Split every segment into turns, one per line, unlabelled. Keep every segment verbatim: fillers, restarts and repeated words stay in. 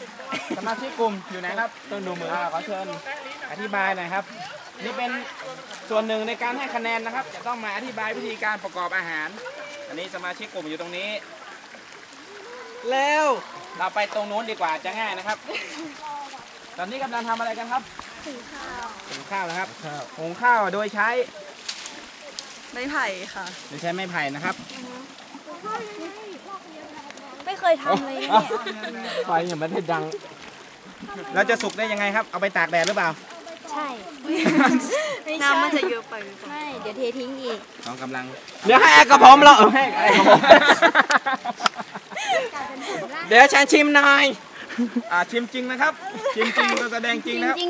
สมาชิกกลุ่มอยู่ไหนครับต้องดูมือขอเชิญอธิบายหน่อยครับนี่เป็นส่วนหนึ่งในการให้คะแนนนะครับจะต้องมาอธิบายวิธีการประกอบอาหารอันนี้สมาชิกกลุ่มอยู่ตรงนี้แล้วเราไปตรงนู้นดีกว่าจะง่ายนะครับตอนนี้กำลังทำอะไรกันครับหุงข้าวหุงข้าวนะครับหุงข้าวโดยใช้
ไม้ไผ่ค่ะ
โดยใช้ไม้ไผ่นะครับ
ไม่เคยทำเลยเนี่ย
ไฟยังไม่ได้ดังเราจะสุกได้ยังไงครับเอาไปตากแดดหรือเปล่า
ใช่น้ำมันจะเยอะไปใช่เดี๋ยวเททิ้งอีก
น้องกำลังเดี๋ยวให้แอลกระผมเราให้แอลกระผมเดี๋ยวฉันชิมหน่อยอ่าชิมจริงนะครับชิมจริงเราแสดงจริงนะครับ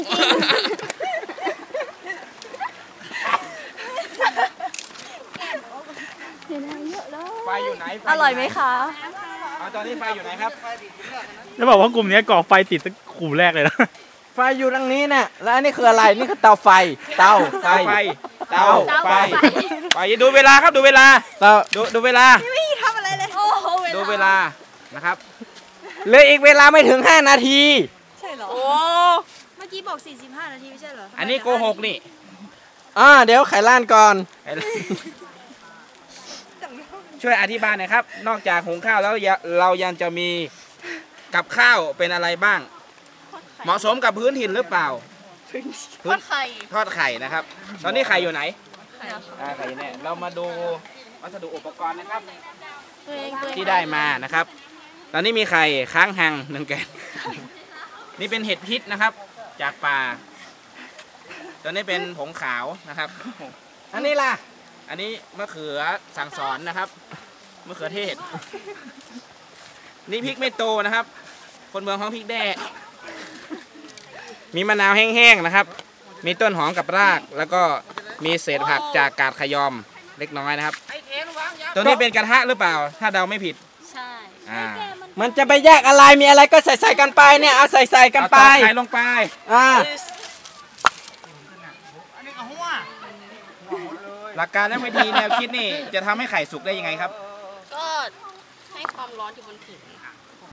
ไฟอยู่ไหน
อร่อยไหมคะ
เอาตอนนี้ไฟอยู่ไหนครับ
จะบอกว่ากลุ่มนี้ก่อไฟติดตั้งกลุ่มแรกเลยนะ
ไฟอยู่ตรงนี้เนี่ยแล้วนี่คืออะไรนี่คือเตาไฟเตาไฟเตาไฟไฟดูเวลาครับดูเวลาดูดูเวลา
ไม่ทำอะไรเลย
ดูเวลานะครับเหลืออีกเวลาไม่ถึงห้านาที
ใช่เหรอโอ้เมื่อกี้บอกสี่สิบห้านาทีไม่ใช่เหรอ
อันนี้โกหกนี่อ่าเดี๋ยวไขล้านก่อนช่วยอธิบายหน่อยครับนอกจากหุงข้าวแล้วเรายังจะมีกับข้าวเป็นอะไรบ้างเหมาะสมกับพื้นถิ่นหรือเปล่า
ทอดไข่
ทอดไข่นะครับตอนนี้ไข่อยู่ไหนไข่เนี่ยเรามาดูวัสดุอุปกรณ์นะครับที่ได้มานะครับตอนนี้มีไข่ค้างหังหนึ่งแกนนี่เป็นเห็ดพิษนะครับจากป่าตอนนี้เป็นผงขาวนะครับอันนี้ล่ะอันนี้มะเขือสั่งสอนนะครับมะเขือเทศนี่พริกไม่โตนะครับคนเมืองของพริกแด้มีมะนาวแห้งๆนะครับมีต้นหอมกับรากแล้วก็มีเศษผักจากกาดขยอมเล็กน้อยนะครับตัวนี้เป็นกระทะหรือเปล่าถ้าเดาไม่ผิด
ใช่
อ่ามันจะไปแยกอะไรมีอะไรก็ใส่ใส่กันไปเนี่ยเอาใส่ใส่กันไปใส่ลงไปอ่าหลักการและวิธีแนวคิดนี่จะทำให้ไข่สุกได้ยังไงครับ
ก็ให้ความร้อนอยู่บนผิว